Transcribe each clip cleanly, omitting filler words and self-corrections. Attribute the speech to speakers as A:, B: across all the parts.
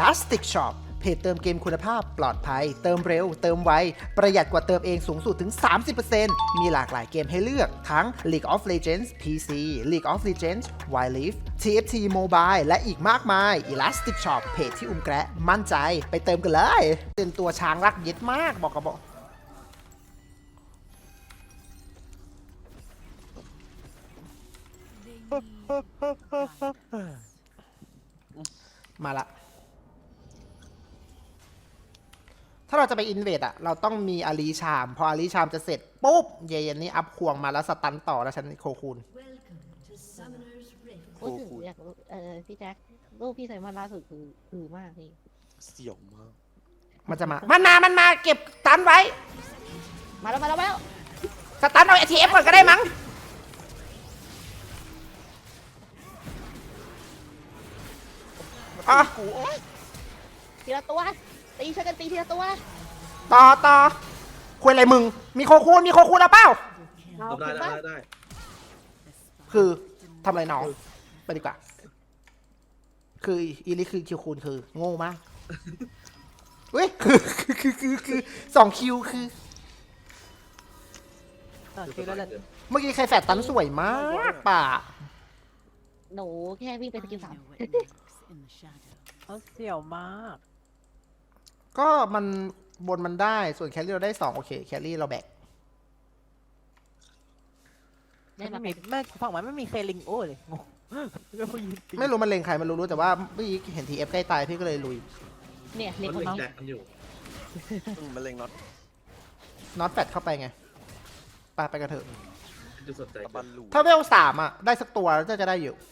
A: Elastic Shop เพจเติมเกมคุณภาพปลอดภัยเติมเร็วเติมไวประหยัดกว่าเติมเองสูงสุดถึง 30% มีหลากหลายเกมให้เลือกทั้ง League of Legends PC League of Legends Wild Rift TFT Mobile และอีกมากมาย Elastic Shop เพจที่แกระมั่นใจไปเติมกันเลยเป็นตัวช้างรักเย็ดมากบอกกับบอกมาละถ้าเราจะไปอินเวดอะเราต้องมีอารีชามพออารีชามจะเสร็จปุ๊บเย็นนี้อัพควงมาแล้วสตันต่อแล้วฉันโคคูน
B: พูดถึงอยากรู้พี่แจ็ครูปพี่ใส่มาล่าสุดคือมากพี่
C: เสี่ยวมาก
A: มันจะมันมาเก็บสตันไว้
B: มาแล้ว
A: สตันเอา ATF ก่อนก็ได้มั้งอ๋อ
B: ทีละตัวตีช่วยกันตีทีละตัว
A: ต่อคุยอะไรมึงมีโคคูนแล้วเปล่า
C: ได้
A: คือทำอะไรน้องไปดีกว่าคืออีลิคือคิวคูณคือโง่มากเว้ยคือ2 คิวคือเมื่อกี้ใครแฟดตันสวยมากป่ะ
B: หนูแค่วิ่งไปสกิล3
D: เขาเสี่ยวมาก
A: ก็มันบนมันได้ส่วนแครี่เราได้2โอเคแครี่เราแบก
D: ไม่ฝั่งมันไม่มีเคลิงโอ้เลยงง
A: ไม่รู้มันเลงใครมันรู้แต่ว่าเมื่อกี้เห็นทีเอฟใกล้ตายพี่ก็เลยลุย
B: เนี่ยเล็งของน้อง
C: มันเล็ง
A: น็อตแฟดเข้าไปไงไปกันเถอะถ้าเวล3อะได้สักตัวจะได้อยู่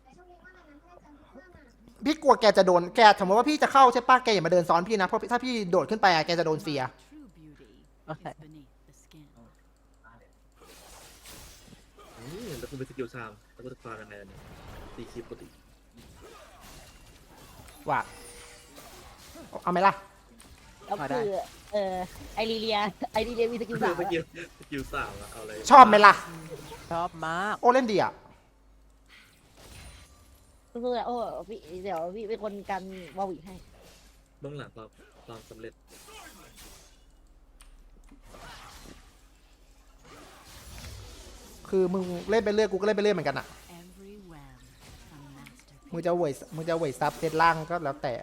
A: พี่กลัวแกจะโดนแกสมมติว่าพี่จะเข้าใช่ปะแกอย่ามาเดินซ้อนพี่นะเพราะถ้าพี่โดดขึ้นไปแกจะโดนเสีย
C: แล้วคุณเป็นสกิลชามแล้วคุณจะฟายังไงเนี่ยตีคีปกติ
A: ว่าเอาไหมล่ะ
B: แล้วคือไอรีเลียมีสกิล3
C: สกิล3อะเอาอะไร
A: ชอบไหมล่ะ
D: ชอบมาก
A: โอเล่นดีอ่ะ
B: คือโอ้พี่เดี๋ยวพี่เป็นคนกันวอลวิให้
C: เบื้องหลังความสำเร็จ
A: คือมึงเล่นไปเรื่อยกูก็เล่นไปเรื่อยเหมือนกันอ่ะมึงจะเวยซับเซตล่างก็แล้วแต่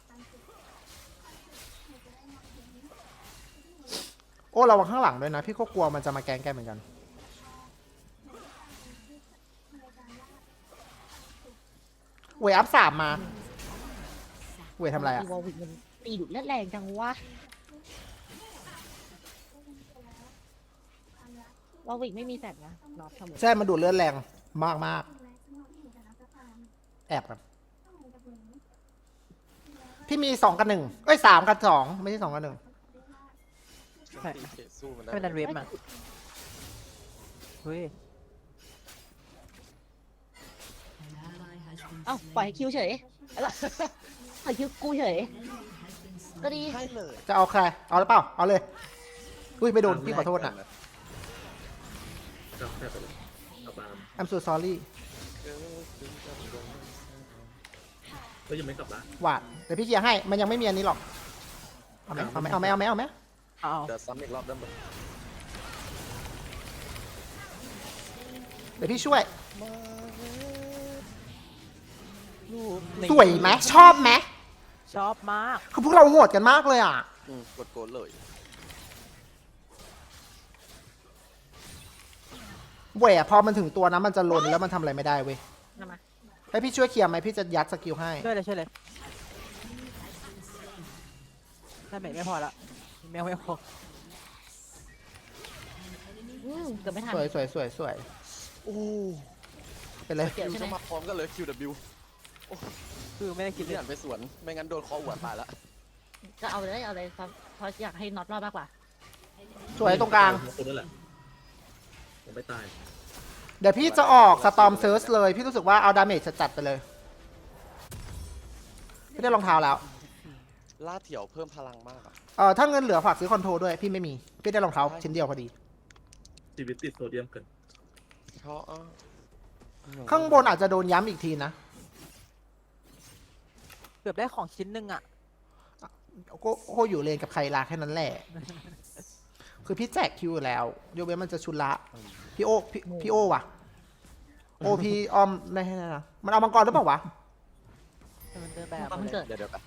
A: โอ้ระวังข้างหลังด้วยนะพี่ก็กลัวมันจะมาแกล้งแกเหมือนกันเวยอัพ3มาเวยทำอะไรอะ
B: วอลวิมันตีดุแรงจังวะวอลวิไม่มีแสบนะน็อตทำ
A: ใช่มันดูดเลือดแรงมากแอบกันพี่มี2 กับ 1เอ้ย3 กับ 2ไม่ใช่2 กับ 1
D: ไม่ดันเวฟมาเฮ้ย
B: เอ้าปล่อยคิวเฉยปล่อยคิวกูเฉยก็ดี
A: จะเอาใครเอาหรือเปล่าเอาเลยอุ้ยไม่โดนพี่ขอโทษนะI'm so sorry
C: ก็ยังไม่กลับบ้าน
A: หวาดเดี๋ยวพี่เคลียร์ให้มันยังไม่มีอันนี้หรอกเอาไหม
C: เดี๋ยวซ้ำอีกรอบได้ไหม
A: เดี๋ยวพี่ช่วยสวยไหมชอบไหม
D: ชอบมาก
A: คือพวกเราโหดกันมากเลยอ่ะ
C: กดโกนเลย
A: เว้ยพอมันถึงตัวนะมันจะลนแล้วมันทำอะไรไม่ได้เว้ยให้พี่ช่วยเคลียร์ไหมพี่จะยัดสกิลให้
D: ช่วยเลยถ้าไม่พอละไม่พอ
B: เกือบไม่ทัน
A: สวยโอ้เป็นไร
C: คิวจะมาพร้อมกันเลย QW
D: คือไม่ได้คิด
C: ที่หันไปสวนไม่งั้นโดนคอหัวตายละ
B: ก็เอาเลยเพราะอยากให้น็อตรอดมากกว่า
A: สวยตรงกลาง
C: คนนั่นแหละยังไม่ตาย
A: เดี๋ยวพี่จะออกสตอมเซิร์ชเลยพี่รู้สึกว่าเอาดาเมจจัดไปเลยพี่ได้รองเท้าแล้ว
C: ล่าเถี่ยวเพิ่มพลังมาก
A: ถ้าเงินเหลือฝากซื้อคอนโทรด้วยพี่ไม่มีพี่ได้รองเท้าชิ้นเดียวพอดี
C: ชีวิตติดโซเดียมเกิน
A: ข้างบนอาจจะโดนย้ำอีกทีนะ
D: เกือบได้ของชิ้นหนึ่งอ่ะ
A: ก็อยู่เลนกับใครลาแค่นั้นแหละ คือพี่แจกคิวอยู่แล้วยกเว้นมันจะชุนละ พี่โอว่ะ โอพี่ออมไม่ให้นะมันเอามังกรหรือเปล่าวะ
D: มันเดินแบบ
B: มันเกิด
E: เดี๋ยวไป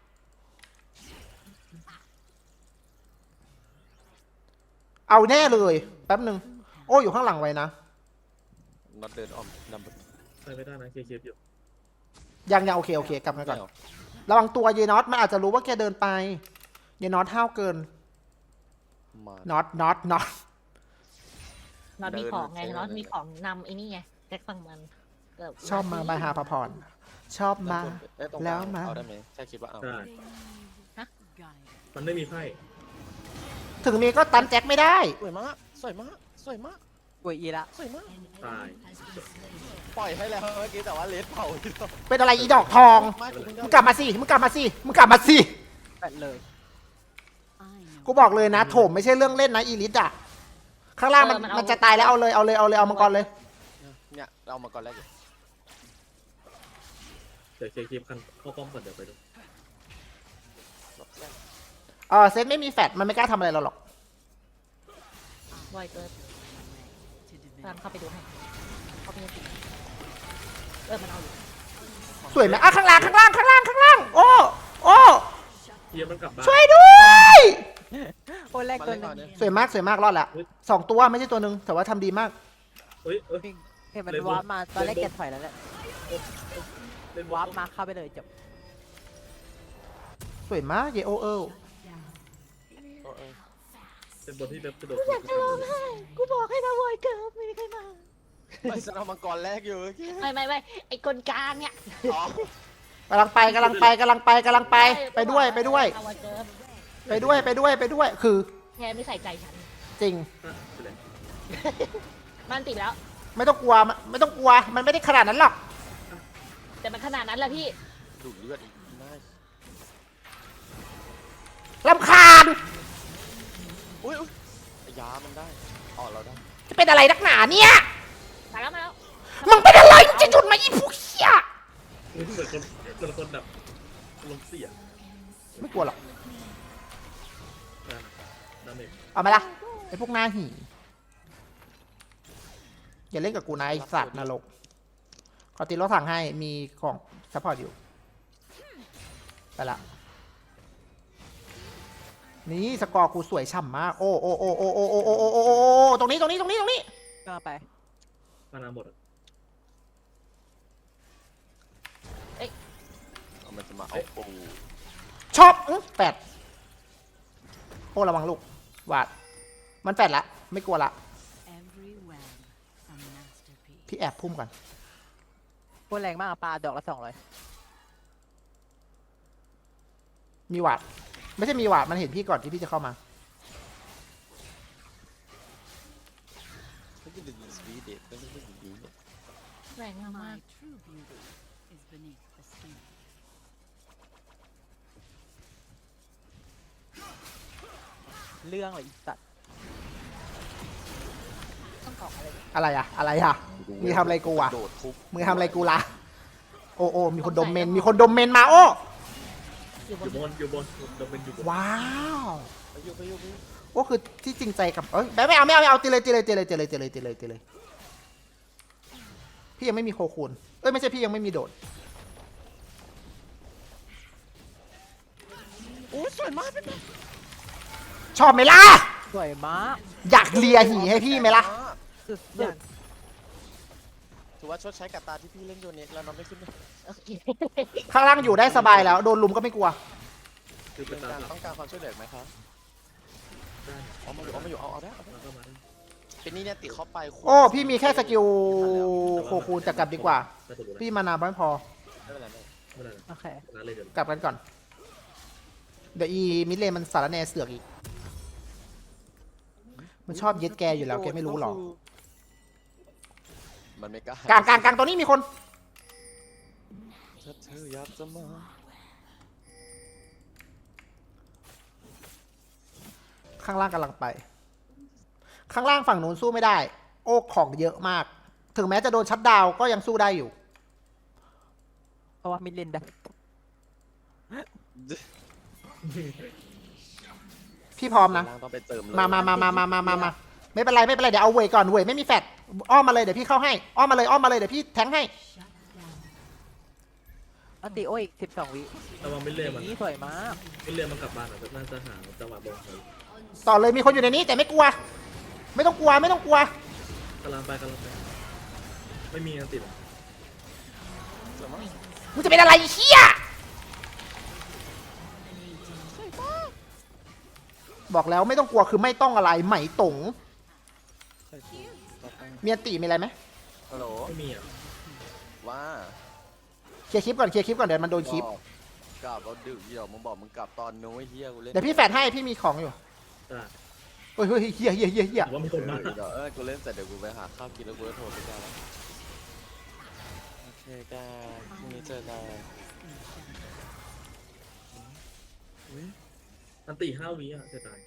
A: เอาแน่เลยแป๊บหนึ่งโอ้อยู่ข้างหลังไว้นะ
E: น็อตเดินอ้อมนำไป
C: ไปไม่ได้นะเคลียร์อยู่
A: ยังโอเคกลับมาก่อนระวังตัวเยนอตมันอาจจะรู้ว่าแกเดินไปเยนอตห้าวเกิน
E: มา
A: น็อต
B: น็อตมีของไงน็อตมีของนำไอ้นี่ไงแจ็คฟังมันเกิด
A: ชอบมาบายหาพพรชอบมา แล้วมา
E: เอาได้ไหมแค่คิดว่าเอา
C: ได้มันไม่มีไพ่
A: ถึงมีก็ตันแจ็คไม่ได้
E: สวยมากสวยมากสวยมาก
D: กวยอีละ
E: สวยมาก
C: ตาย
E: ปล่อยให้แล้วเมื่อกี้แต่ว่าเลสเผาที่เรา
A: เป็นอะไรอีดอกทอง
E: มาก
A: มึงกลับมาสิมึงกลับมาสิ
D: แปดเลย
A: กูบอกเลยนะโถมไม่ใช่เรื่องเล่นนะอีลิทอะข้างล่างมันจะตายแล้วเอาเลยเอามังกรเลย
E: เนี่ยเอามาก่อนแรกอยู่
C: เดี๋ยวเคลียร์กันเข้าป้อมก่อนเดี๋ยวไปดู
A: เซตไม่มีแฟดมันไม่กล้าทำอะไรเราหรอก
B: บ่อยเกินตามเข้าไปดูให้เข้าไปดูมันเอาอยู่
A: สวยไหมข้างล่างโอ้
C: เคลียร์มันกลับบ้าน
A: ช่วยด้วย
D: โอ้แรก
E: มา
D: ตัว
E: เล่น
D: หนึ
E: ก่อน
D: ง
E: เนี่ย
A: สวยมากรอดละ2 ตัวไม่ใช่ตัวหนึ่งแต่ว่าทำดีมาก
C: เฮ้ย
D: เห็นมันวาร์ปมาตอนแรกแกถอยแล้วแหละ
C: เล่น
D: วาร์ปมาเข้าไปเลยจบ
A: สวยมากเยโอเอล
C: เป็นบนที่แบบกระโดด
B: กูบอกให้มาบ่อยเกินไม่มีใครมา
E: ไม่ฉันเอามังกรแรกอยู่เมื่อกี้
B: ไม่ไอ้คนกลางเนี่ย
E: อ๋อก
A: ำลังไปไปด้วย
B: มาบ่อยเกิน
A: คือ
B: แกไม่ใส่ใจฉัน
A: จริง
B: มันติดแล้ว
A: ไม่ต้องกลัวมันไม่ได้ขนาดนั้นหรอก
B: แต่มันขนาดนั้นแหละพี่
E: ดูดเลือดอีกน่าร
A: ำคาญ
E: อุ้ยยามันได้อ๋อเราได้
A: จะเป็นอะไรนักหนาเนี่ย
B: ตายแล้วมาแล้ว
A: มึงเป็นอะไรมึงจะจุดมาอีพวกเหี้ย
C: เหมือนคนแบบลมเสีย
A: ไม่กลัวหรอก
C: น้ำเอง
A: เอามาละไอ้พวกหน้าหี่อย่าเล่นกับกูนะไอ้สัตว์นรกขอตีรถถังให้มีของซัพพอร์ตอยู่ไปละนี่สกอร์กูสวยฉ่ำมากโอ้ตรงนี้
D: กำลังไป
C: มานาหมด
E: เอามันจะมาเอาปู
A: ชอบแปดโอ้ระวังลูกวาดมันแปดละไม่กลัวละพี่แอบพุ่มก่อน
D: โคตรแรงมากอะปลาดอกละ200
A: มีวาดไม่ใช่มีวาดมันเห็นพี่ก่อนที่พี่จะเข้ามา
E: ไม่กินดึงสวีเดตไม่ได้ดึงดีเนี่ย
B: แรงมาก
D: เรื่องอะไรอีสัตว์
B: ต้องออกอะไร
A: อะไรอะมึงทำอะไรกูอะ
E: โดดทุบ
A: มึงทำอะไรกูล่ะโอ้มีคนดมเมนมาโอ้
B: อยู่บ
C: อน ยู่บนเราเป็นอยู่บน
A: ว้าว
E: ไปอยู่
A: โอ้คือที่จริงใจกับไม่เอาตีเลยพี่ยังไม่มีโคคูนไม่ใช่พี่ยังไม่มีโดด
E: โอ้สวยมากเป็น
A: ชอบไหมล่ะ
D: สวยมาก
A: อยากเลียหีให้พี่ไหมล่ะ
D: สุด
E: ถือว่าชดใช้กับตาที่พี่เล่นโยเน็กแล้วน้องไม่ขึ้นเลย
B: โอเค
A: ข้างล่างอยู่ได้สบายแล้วโดนลุมก็ไม่กลัว
C: คือเป็นตา
E: ต้องการความช่วยเหลือไหมครับเอามาอยู่เอาได้
C: แล้วก็มา
E: เป็นนี่เนี่ยติเข้าไป
A: โอ้พี่มีแค่สกิลโคคูนแต่กลับดีกว่า
C: น่าจะรู้แล้ว
A: พี่มานาไม่พอ
E: ไม่เป็นไร
C: ไม่ได้
D: โอเค
C: ร้านเลยเดี๋ยว
A: กลับกันก่อนเดี๋ยวอีมิดเลนมันสารแนเสือกอีกมันชอบยึดแกอยู่แล้วแกไม่รู้หรอ
E: มันไม่กล้าก
A: ลางตัวนี้มีคน
E: ถ้าเธออยากจะมา
A: ข้างล่างกำลังไป ข้างล่างฝั่งนู้นสู้ไม่ได้ โอ้ของเยอะมาก ถึงแม้จะโดนชัดดาวน์ก็ยังสู้ได้อยู่
D: เพราะว่ามิดเลนได้
A: พี่พร้อมนะ
E: ล่างต้องไปเติมเลย
A: มาไม่เป็นไรเดี๋ยวเอาเวยก่อนเวยไม่มีแฟดอ้อมมาเลยเดี๋ยวพี่เข้าให้อ้อมมาเลยเดี๋ยวพี่แทงให้
D: อันติโออีก12 วิ
C: ระวังไม่เลื่อนมัน
D: นี่สวยมาก
C: ไม่เลื่อนมันกลับบ้านอ่ะน่าจะหาจังหวะลงเลย
A: ต่อเลยมีคนอยู่ในนี้แต่ไม่กลัว ไม่ต้องกลัว
C: กำลังไปไม่มีอันติดอ่ะ
E: สวยมาก
A: มึงจะเป็นอะไรเชี่ยบอกแล้วไม่ต้องกลัวคือไม่ต้องอะไรไหมตงมีอันติมีอะไรไหม
E: ฮัลโหล
C: ไม่มีอ่ะ
E: ว่า
A: เคลียร์คลิปก่อนเดี๋ยวมันโดนคลิป
E: กลับเอาดึกเดี๋ยวมึงบอกมึงกลับตอนนู้นไอ้เฮียกูเล่น
A: เดี๋ยวพี่แฟดให้พี่มีของอยู่
C: อ่ะ
A: เฮ้ยเฮีย
C: แต่ว่ามีคนมา
E: เดี๋ยวกูเล่นเสร็จเดี๋ยวกูไปหาข้าวกินแล้วกูจะโทรไปกันแล้วโอเคกันพรุ่งนี้เจอกัน
C: อันติ5 วิอ่ะเสียดาย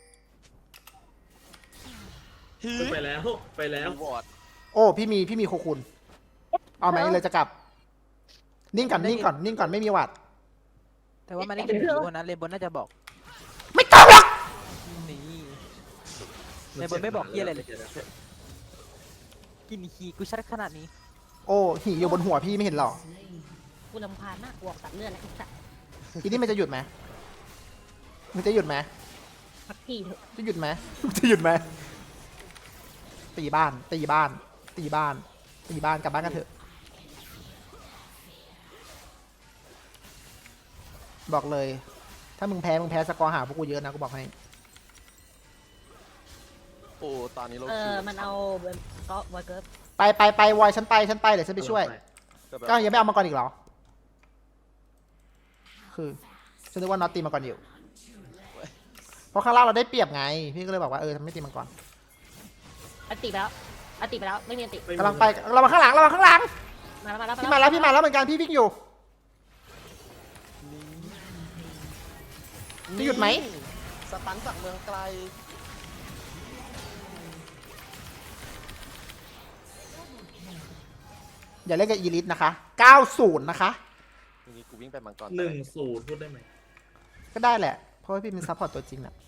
E: ฮี
C: ไปแล้ว
E: วอร์ด
A: โอ้พี่มีโคคุณเอาไหมเลยจะกลับ นิ่งก่อนไม่มีหวัด
D: แต่ว่ามันได้กินผีบนนั้นเลนบนน่าจะบอก
A: ไม่ต้องหรอก
D: นี่ ในบนไม่บอกเหี้ยอะไรเลย กินคีกูชัดขนาดนี้
A: โอ้หีอยู่บนหัวพี่ไม่เห็นหรอ
B: กูรำคาญมากกูออกตัดเลือดแล้วไอ้สัตว์
A: ทีนี้มันจะหยุดไหมมันจะหยุดไหม
B: สักทีเถอะ
A: จะหยุดไหมตีบ้านกลับบ้านกันเถอะบอกเลย ถ้ามึงแพ้สกอร์หาพวกกูเยอะนะกูบอกให้
E: โอ้ตอนนี้เรา
B: มันเอาก็วอเกิร์ฟ
A: ไปวอยฉันไปเดี๋ยวฉันไปช่วย ก็ยังไม่เอามาก่อนอีกเหรอ คือฉันนึกว่าน็อตตีมาก่อนอยู่ เพราะข้างล่างเราได้เปรียบไง พี่ก็เลยบอกว่าทำไม่ตีมาก่อน
B: อันติไปแล้วไม่มีอันติ
A: กำลังไปเรามาข้างหลัง
B: มาแล้ว
A: พี่มาแล้วเหมือนกันพี่วิ่งอยู่ จะหยุดไหม
E: สตันจากเมืองไกล
A: อย่าเล่นกับอีลิทนะคะ 90 นะคะ
E: ทีนี้กูวิ่งไปมังกร
C: 1-0พูดได้ไหม
A: ก็ได้แหละ เพราะว่าพี่เป็นซัพพอร์ตตัวจริงน่ะ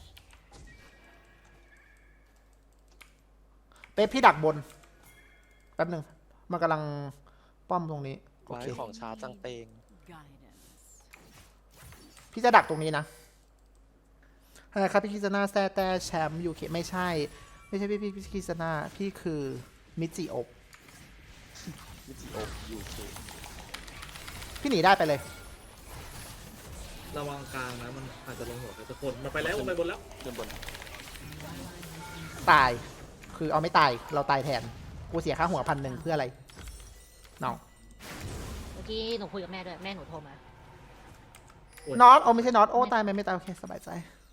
A: เป๊ปพี่ดักบน แป๊บหนึ่งมันกำลังป้อมตรงนี้ โอ
E: ไว้
A: เค
E: ของช้าจังเตง
A: พี่จะดักตรงนี้นะอะไรครับพี่คิซาน่าแซ่แต่แชมป์ยูเคไม่ใช่พี่คิซาน่าพี่คือมิจิโอะ
E: มิจิโอยูเค
A: พี่หนีได้ไปเลย
C: ระวังกลางนะมันอาจจะลงหัวใครสักคนมันไปแล้วมันไปบนแล้ว
E: เดินบน
A: ตาย คือเอาไม่ตาย เราตายแทน กูเสียค่าหัว1,000เพื่ออะไรน้อง
B: เมื่อกี้หนูคุยกับแม่ด้วยแม่หนูโทรมา
A: น็อตโอ้ไม่ใช่น็อตโอ้ตายไหมไม่ตายโอเคสบายใจ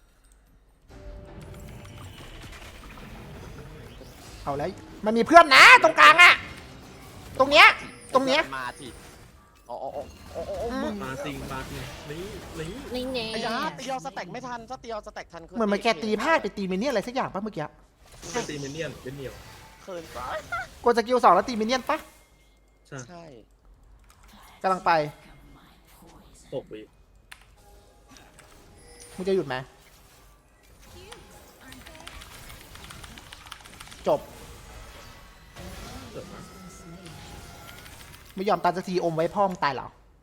A: เอาแล้วมันมีเพื่อนนะตรงกลางอะตรงเนี้ย
E: มาทีอ๋อมึง
C: มาสิงนี่
B: นี่เน่
E: ไอ้ยาตีเอาสแต็กไม่ทันถ้าตีเอาสแต็กทัน
A: เหมือนมันแกตีพลาดไปตีมินเนี่ยนอะไรสักอย่างปะเมื่อกี้
C: เป็นตีมินเนี่ยนเป็นเหนียว
E: เคินไป
A: กดสกิล2แล้วตีมินเนี่ยนปะ
C: ใช่
E: ใช่
A: กำลังไป
C: 6 วิ
A: มึงจะหยุดไหมจบ
C: เกิดมา
A: ไม่ยอมตายสักทีอมไว้พ่อมงตายเหรอ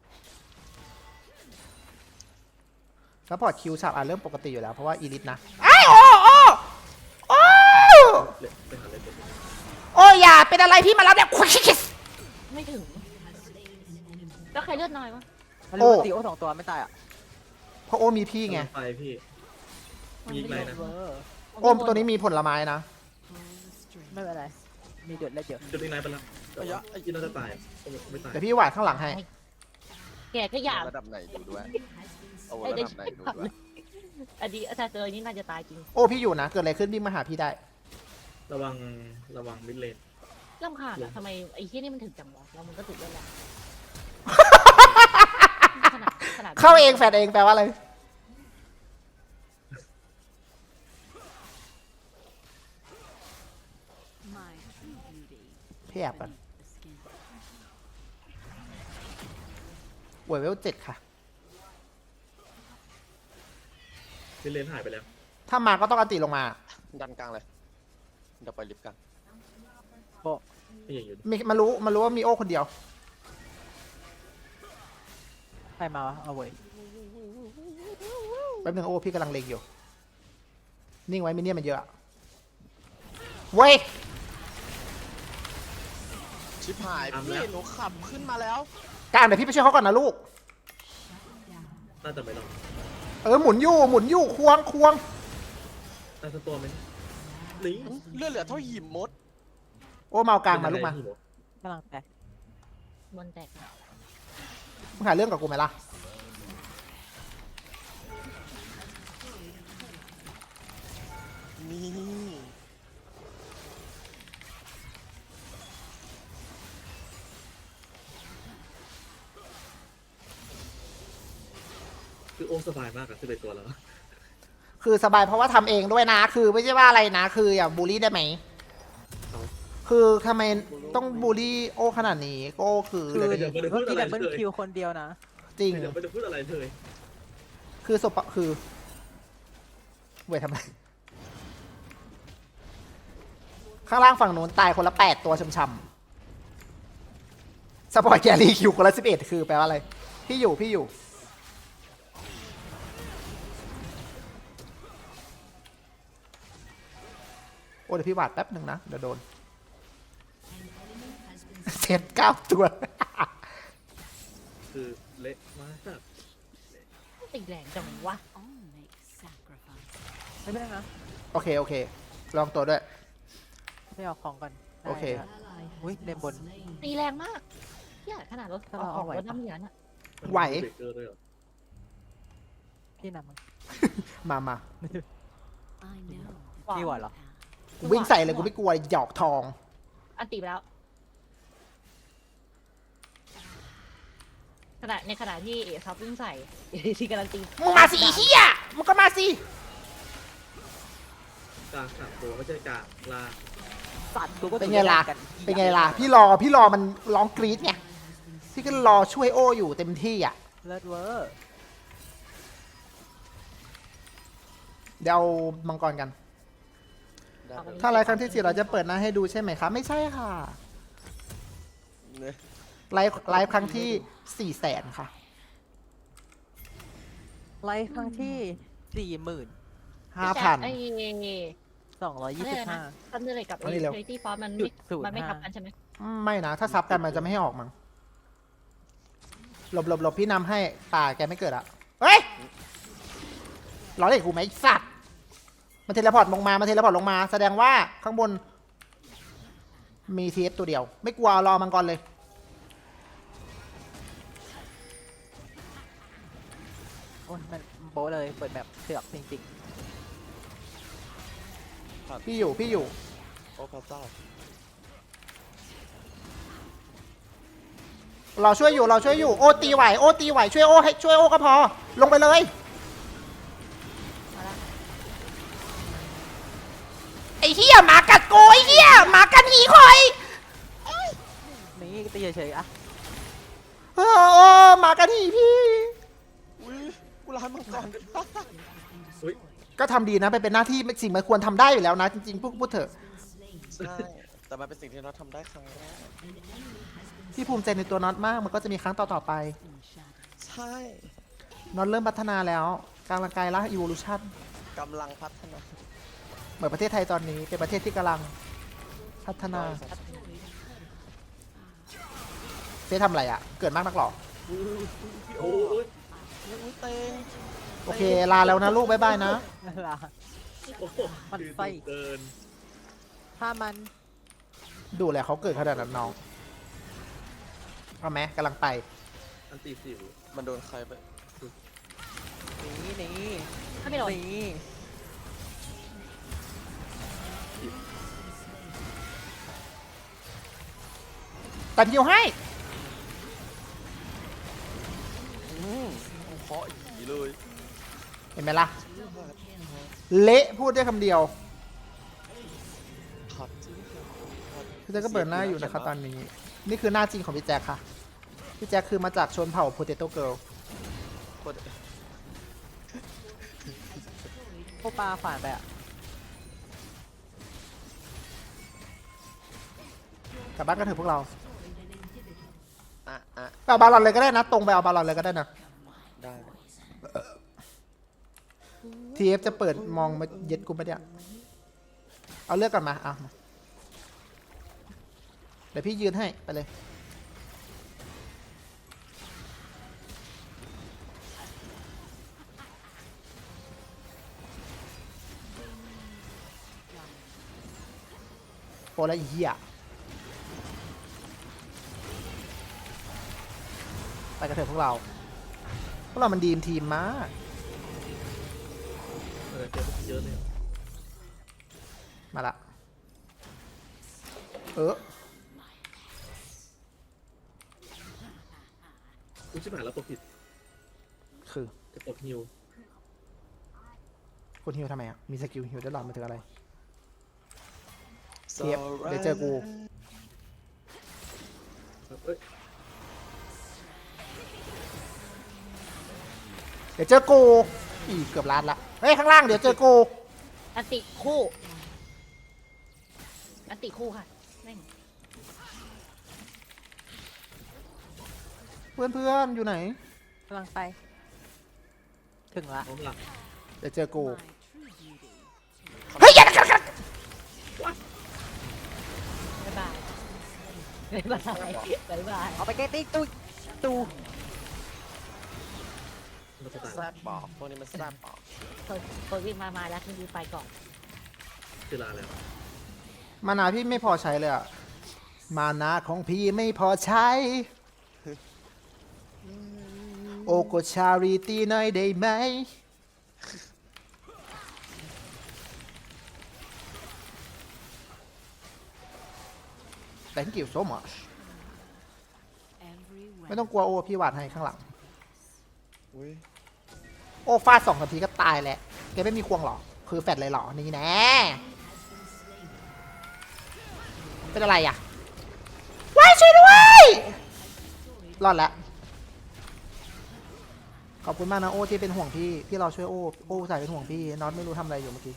A: แล้วพอร์ตคิวฉาบเริ่มปกติอยู่แล้วเพราะว่าอีลิทนะไอ้โอ้
C: ไปหาเลย
A: โอ้อย่าเป็นอะไรพี่มารับเนี่ย
B: ไม่ถึงแล้วใครเลือดน้อยวะ
D: มันเลยตีโอ2 ตัวไม่ตายอ่ะ
A: เพราะโอ้มีพี่ไง
C: ไปพี่มีอีกไหนนะ
D: เวอร์
A: โอ้ตัวนี้มีผลไม้นะ
D: ไม่เป็นไร มีเดือดและเยอะ
C: จุดอีกไหนไปแล้วไอ้ยินน่าจะตายไม่ตาย
A: เดี๋ยวพี่หวาดข้างหลังให้
B: แกก็อยาก
E: ระดับไหนดูด้วยเอาระดับไหนดูด้วย
B: อันนี้อาจารย์เจอนี่น่าจะตายจริง
A: โอ้พี่อยู่นะ เกิดอะไรขึ้นวิ่งมาหาพี่ได้
C: ระวังมิดเลน
B: รำคาญอะทำไมไอ้ที่นี่มันถึงจังวะแล้วมันก็ถึงเรื่องแล้วขนาด
A: เข้าเองแฟดเองแปลว่าอะไรพี่แอบกันเวล7ค่ะ
C: ลิเลนหายไปแล้ว
A: ถ้ามาก็ต้องอันติลงมา
E: ดันกลางเลยเดี๋ยวไปลิฟต์กลาง
C: ไม่อย่างอยู่
A: มีมารู้ว่ามีโอ้คนเดียว
D: ใครมาวะเอาเว้ย
A: แป๊บนึงโอ้พี่กำลังเล็งอยู่ นิ่งไว้มิเนี่ยมันเยอะอะเว้ย
E: ชิบหายพี่หนูขับขึ้นมาแล้ว
A: กลางเดี๋ยวพี่ไปช่วยเขาก่อนนะลูก
C: น่าจะไม่รอด
A: หมุนอยู่ควง
C: น่าจะตัวไหมนี่
E: เลือดเหลือเท่าหิมมด
A: โอ้เมากลางมาลูกมา
D: กำลังแตก
B: บนแตก
A: มึงหาเรื่องกับกูไหมล่ะ
E: นี่
C: คือโอ้สบายมากอะ11ตัวแล้ว
A: คือสบายเพราะว่าทำเองด้วยนะ คือไม่ใช่ว่าอะไรนะ คืออย่าบูลลี่ได้ไหม คือทำไมต้องบูลลี่โอ้ขนาดนี้โอ้คือ
D: คือ
C: แต่ก็ยังไม่ได้พู
D: เมื่อ
C: ด
D: กี้
C: อะไร
D: ดับเบิล
C: เลย
D: คิวคนเดียวนะ
A: จริง
C: เดี๋ยวไม่ได้พูดอะไรเลย
A: คือศพคือเว้ยทำไม ข้างล่างฝั่งนู้นตายคนละ8 ตัวช้ำๆสปอยแกรี่คิวคนละ11 คือแปลว่าอะไร พี่อยู่ โอ้เดี๋ยวพี่วาดแป๊บหนึ่งนะ เดี๋ยวโดน เซต9 ตัว
C: คือเละมาก
B: ติดแรงจังวะ
D: ไม่เป็นไรนะ
A: โอเค ลองตัวด้วย
D: ไม่เอาของก่อน
A: โอเค
D: ได้อุ้ยเลนบน
B: ตีแรงมากเหี้ยขนาดรถ
D: ถ้าเรา
B: ออ
D: เอา
B: ก
D: ไหว
B: รถ
D: ปะ
B: น้ำเหลืองอะ
A: ไหว
C: เบรกเกอร์ด้วยเหรอ
D: พี่นำมัน
A: มา
D: พี่ไหวเหรอ
A: กูวิ่งใส่เลยกูไม่กลัวหยอกทอง
B: อันตีไปแล้วในขณะที่เอซับวิ่งใส่ ที่กำลังตี
A: มึงมาสิไอ้เฮียมึงก็มาสิ
C: กลาง3 ตัวไม่ใช่กลางล่าง
D: สัตว์กูก็
A: เป็นไงล่ะ
D: กัน
A: เป็นไงล่ะ พี่รอมันร้องกรี๊ดไง พี่ก็รอช่วยโออยู่เต็มที่อ่ะ
D: เลิศเวอร์
A: เดี๋ยวเอามังกรกัน
E: ได้เลย
A: ถ้าไลฟ์ครั้งที่ 4 เราจะเปิดหน้าให้ดูใช่ไหมคะไม่ใช่ค่ะ
E: เนี่ย
A: ไลฟ์ครั้งที่ 400,000 ค่ะ
D: ไลฟ์ครั้งที่
A: 5,000
B: ไอ้
D: 45,225
B: ทันเดอร์เลยกับ
A: เอานี่เร็ว
B: เทตี้ฟอสมัน
D: จุ
B: ไม่
D: ด05
B: มันไม่ทับกันใช่ไหม
A: ไม่นะ ถ้าซับกันมันจะไม่ให้ออกมั้งหลบพี่นำให้ป่าแกไม่เกิดอ่ะ เฮ้ยล้อเล่นกูไหมไอ้สัตว์มันเทเลพอร์ตลงมา แสดงว่าข้างบน มีทีเอฟตัวเดียว ไม่กลัวรอมังกรเลย
D: โอ้ยมันโบะเลยเปิดแบบเสือกจริง
A: พี่อยู่
E: โอ้พระเจ้า
A: เราช่วยอยู่ โอตีไหวช่วยโอให้ช่วยโอก็พอ ลงไปเลย
B: มาละ
A: ไอ้เหี้ยหมากัดโกไอ้เหี้ยหมากัดหีคอย
D: ๆ นี่ตีเฉยๆอะ
A: โอ้หมากัดหีพี่
E: อุ้ยกูร้านมังกรด้วย
C: อุ้ย
A: ก็ทำดีนะเป็นหน้าที่สิ่งมันควรทำได้อยู่แล้วนะ จริงๆพูดเถอะ
E: ใช่แต่มันเป็นสิ่งที่เราทำได้ครั้งแรก
A: พี่ภูมิใจในตัวน็อตมาก มันก็จะมีครั้งต่อๆไป
E: ใช่
A: น็อตเริ่มพัฒนาแล้วกำลังกายละ evolution
E: กำลังพัฒนา
A: เหมือนประเทศไทยตอนนี้เป็นประเทศที่กำลังพัฒนาเจ๊ทำอะไรอ่ะ เกิดมากนักหรอ
C: โอ้ย
E: อุ้ยเตง
A: โอเค ลาแล้วนะลูก บ๊ายบายนะ
D: เวลา
C: โอ้โห
D: มัน
C: คือ
D: ไส้
C: เกิน
D: ถ้ามัน
A: ดูแลเขาเกิดขนาดนั้นน้องเอาไหมกำลังไป
C: อันตีสิว
E: มันโดนใครไป
D: นี่
B: ถ้าไม่โดน
D: นี่
A: ตัดฮิวให้
E: เคาะหีเลย
A: เห็นไหมล่ะ เละพูดได้คำเดียว
E: ครับ
A: พี่แจ็คก็เปิดหน้าอยู่นะครับตอนนี้ นี่คือหน้าจริงของพี่แจ็คค่ะ พี่แจ็คคือมาจากชนเผ่า Potato Girl
E: โคตร
D: โอปลาขวานไปอ่ะ
A: กลับบ้านกันเถอะพวกเรา
E: อ่ะ
A: ไปเอาบาลอนเลยก็ได้นะ ตรงไปเอาบาลอนเลยก็ได้นะ
E: ได้
A: ทีเอฟจะเปิดมองมาเย็ดกูไปเนี่ยเอาเลือกก่อนมาเอามาเดี๋ยวพี่ยืนให้ไปเลยโอ้แล้วไอ้เหี้ยไปกันเถอะพวกเรามันดีมทีมมาก
C: เจอเยอะเลย
A: มาละ
C: กูชิบหายแล้วกดผิด
A: คือ
C: จะกดฮิว
A: คุณฮิวทำไมอ่ะ มีสกิลฮิวได้หรอมาถึงอะไร
E: โซ
A: เทียบเดี๋ยวเจอกู
C: เอ้ย
A: เดี๋ยวเจอกูอีเกือบล้านละ เฮ้ย ข้างล่างเดี๋ยวเจอกู
B: อันติคู่อันติคู่ค่ะแม่ง
A: เพื่อนๆ อยู่ไหน
D: กำลังไป ถึงละ
C: พร้อมหลัก
A: เดี๋ยวเจอกู เฮ้ยอย่า
B: บ๊ายบายบ๊ายบายบ๊ายบาย
D: เอาไปเกตติ้งตู
C: มาสตาร์
E: แซ่บบอกพวกนี้มันแซ่บบอก
B: คนวิ่งมาแล้วคุณดีไปก่อน
C: เจลาแล้ว
A: มานาพี่ไม่พอใช้เลยอ่ะ มานาของพี่ไม่พอใช้ โอโกชาริตีหน่อยได้ไหม Thank you so much ไม่ต้องกลัวโอพี่วาดให้ข้างหลัง
E: อุ้ย
A: โอฟาด2 นาทีก็ตายแหละแกไม่มีควงหรอ คือแฟดเลยหรอ นี่แน่เป็นอะไรอ่ะว้ายช่วยด้วย รอดแล้ว ขอบคุณมากนะโอที่เป็นห่วงพี่ พี่เราช่วยโอใส่เป็นห่วงพี่น็อตไม่รู้ทำอะไรอยู่เมื่อกี้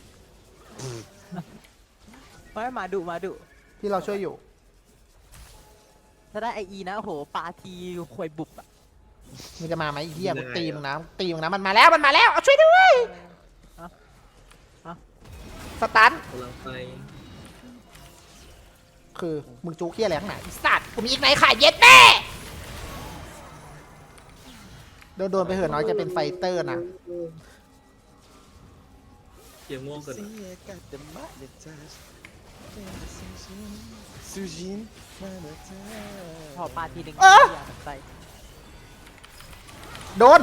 D: ไม่มาดุ
A: พี่เราช่วยอยู่
D: ถ้าได้ไอนะโอ้โหปลาทีควยบุบอ่ะ
A: มึงจะมาไหมไอ้เฮียมึงตีมึงนะมันมาแล้วเอาช่วยด้วยสตัน
C: กำลังไป
A: คือมึงจู้เคี้ยอะไรข้างไหนไอ้สัตว์กูมีอีกไหนขายเย็ดแม่ โดนไปเหอะน้อยจะเป็นไฟเตอร์นะ
C: เกียร์ม่วงกัน
E: เสียกัดเดมะเดจ้าซูจินมาเดจ้า
D: พอปลาทีหนึ่ง
A: เออ
D: ย่าใส่
A: โดน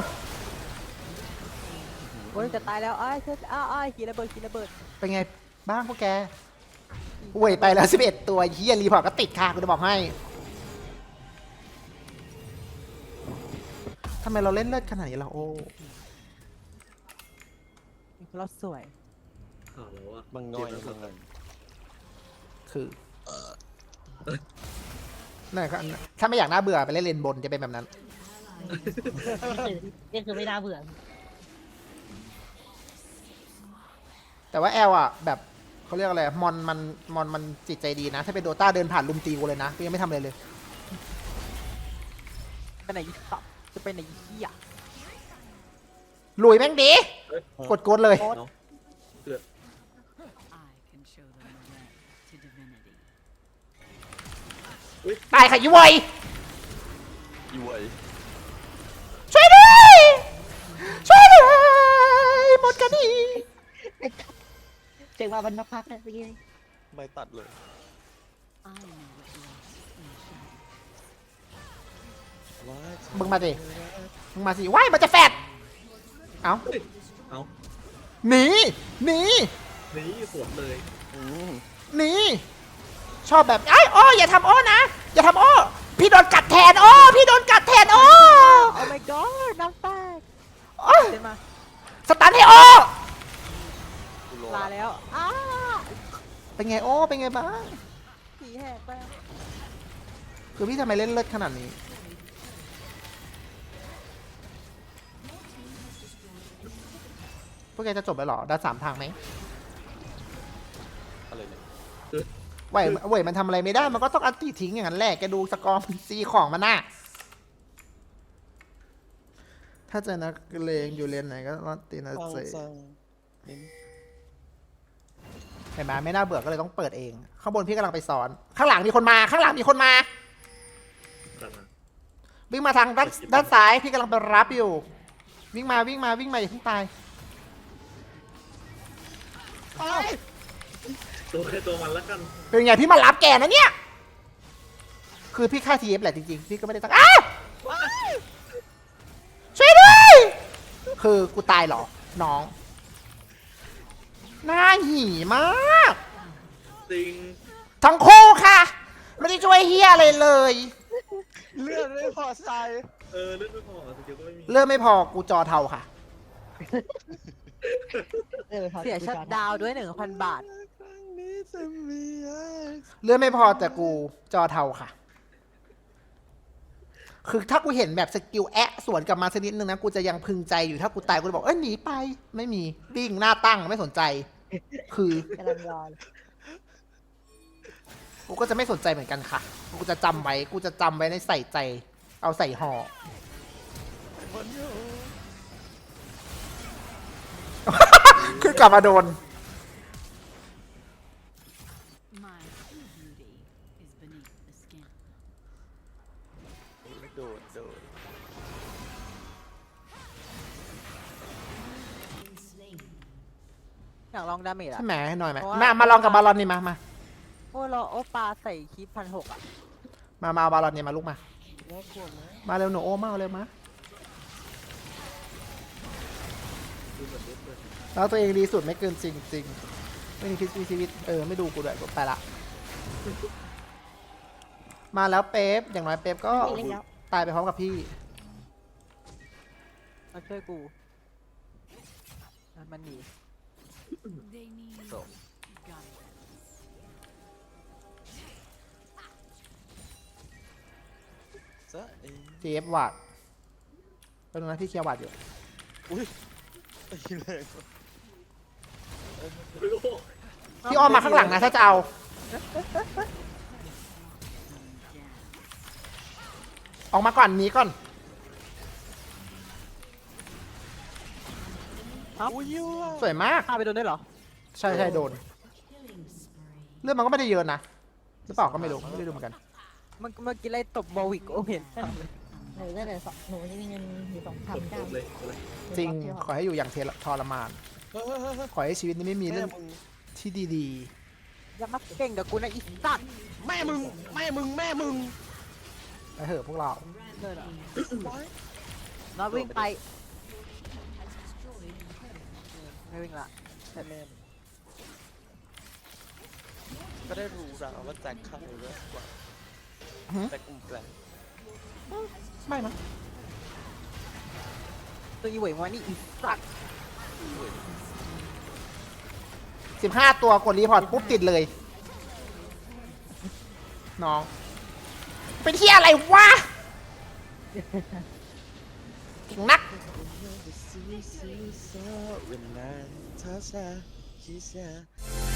D: โอ้ยจะตายแล้วอ้ายขี่ระเบิด
A: เป็นไงบ้างพวกแกเว้ยไปแล้ว11 ตัวเฮียรีพอร์ตก็ติดค่ะกูจะบอกให้ทำไมเราเล่นเลิศขนาดนี้ล่ะโอ้
D: เราสวย
C: ข่าวแล้วอ่ะ
E: บางน้อยนะบางเงิน
A: คือนั่นก็ถ้าไม่อยากน่าเบื่อไปเล่นเลนบนจะเป็นแบบนั้น
B: นี่คือไม่น่าเบื่อ
A: แต่ว่าแอลอ่ะแบบเขาเรียกอะไรมอนมันจิตใจดีนะ ถ้าเป็นโดต้าเดินผ่านลุมตีกูเลยนะกูยังไม่ทำอะไรเลย
D: ไปไหนอีกตับจะไปไหนอีกเหี้ย
A: ลุยแม่งดี กดเลย
C: เนาะเกือบ
F: I can show them the way to divinity.
A: ตายค่ะยุ้ย
E: อีเวย
A: ช่วยด้วยหมดกันดี
B: เจ๋งว่ามันมาพักนะเมื่อกี้
E: ไม่ตัดเลย
F: I know what lives in shadows.
E: ว้าย
A: มึงมาดิมึงมาสิว้ายมันจะแฟดเอ้า
C: เฮ้ยเอา
A: หนี
C: นี่สวนเลย
E: อืม
A: หนีชอบแบบไอ้โอ้อย่าทำโอ้นะอย่าทำโอ้พี่โดนกัดแทนโอ้พี่โดนกัดแทนโอ้
D: โอ้ my god น้ำแตก
A: โอ้
D: เดินมา
A: สตันให้โอ้
E: กูโล
D: ลา
E: ละ
D: แล้ว
A: เป็นไงโอ้เป็นไงบ้าง
D: ผีแหกไป
A: คือพี่ทำไมเล่นเลิศขนาดนี้พวกแกจะจบไปหรอดัน3 ทางไหม
E: อะไรเนี่ย
A: เว่ยมันทำอะไรไม่ได้มันก็ต้องอันตีทิ้งอย่างนั้นแหละแกดูสกอร์มันซีของมันน่ะถ้าเจอนักเลงอยู่เลนไหนก็รอดตีนะเซเห็นไหมไม่น่าเบื่อก็เลยต้องเปิดเองข้างบนพี่กำลังไปสอนข้างหลังมีคนมาข้างหลังมีคนมา
C: ตามมา
A: วิ่งมาทางด้านซ้ายพี่กำลังไปรับอยู่วิ่งมาอย่าเพิ่งตาย
C: ตัวใครตัวมันแล้วกัน
A: เป็นไงพี่มารับแกนะเนี่ยคือพี่ฆ่าทีเอฟแหละจริงๆพี่ก็ไม่ได้ตั้งอ้าวช่วยด้วยคือกูตายเหรอน้องน่าหี่มาก
C: จริง
A: ทั้งคู่ค่ะไม่ได้ช่วยเฮียอะไรเลย
E: เลือดไม่พอใจ
C: เลือดไม่พอสกิลก็ไม่มี
A: เริ่มไม่พอกูจอเทาค่ะ
D: เสียชัดดาวน์ด้วย 1,000 บาท
E: ครั้งนี้จะมีอะไร
A: เลื่อนไม่พอแต่กูจอเทาค่ะ คือถ้ากูเห็นแบบสกิลแอะสวนกลับมาสักนิดนึงนะ กูจะยังพึงใจอยู่ถ้ากูตายกูจะบอกหนีไป ไม่มีปิ้งหน้าตั้งไม่สนใจ คือก
D: ำลังรอ
A: กูก็จะไม่สนใจเหมือนกันค่ะ กูจะจำไว้ กูจะจำไว้ในใส่ใจ เอาใส่ห่อ คือกลับมาโดน
F: My true beauty is beneath the skin.
E: โดน
D: อยากลองดาเมจอะ
A: ใช่ไหมหน่อยไหม
D: เพราะว่า
A: มาลองกับบาลอนนี่มา
D: โอ้เราโอปลาใส่คีบ1,600อะ
A: มาเอาบาลอนนี่มาลูกมา
E: น่ากลัวไหม
A: มาเร็วหนูโอ้มาเอาเร็วมา
C: ดูเหมือนเลือดเปิด
A: แล้วตัวเองดีสุดไม่เกินจริงไม่มีชีวิตไม่ดูกูด้วยกูไปละ มาแล้วเป๊ปอย่างน้อยเป๊ปก็ตายไปพร้อมกับพี่
D: มาช่วยกูมันหนี
F: They need
E: So.
F: guidance.
E: ซะเอง
A: GF วาดเป็นนะพี่เคลียร์วาดอยู่
E: อุ้ยตีเลย
C: โอ้โห
A: พี่อ้อมมาข้างหลังนะถ้าจะเอา ออกมาก่อนหนี้ก่อน
E: อุ้ยยั่ว
A: สวยมาก
D: ฆ่าไปโดนได้เหรอ
A: ใช่โดน เรื่องมันก็ไม่ได้เยอะนะหรือเปล่าก็ไม่รู้ไม่ได้ดูเหมือนกัน
D: เมื่อกี้ไล่ตบบอวิกโอเห็น
B: หนูได้เลยหนูจะมีเงินอยู่
C: กด
B: 2,900
C: เลย
A: จริง ขอให้อยู่อย่างทรมาน
E: เฮ้ย
A: ขอให้ชีวิตนี้ไม่มี
E: แม่
A: เรื่อง
E: มึง
A: ที่ดี
D: อย่ามาเก่งกับกูนะอีสัตว์
E: แม่มึง
A: ๆไปเถอะพวกเรา
D: เลยเหรอน้อยวิ่งไปไม่วิ่งละ
E: แม่ก็ได้รู้แล้วว่าแจ็คเข้าเยอะกว่าแจ็คอุ้มแปลง
A: ไม่นะ
D: ตัวอีเหวยมานี่อีสัตว์
A: 15 ตัวกดรีพอร์ตปุ๊บติดเลย น้อง เป็นที่อะไรวะเก่งนัก
E: เวลาเธอจะคิด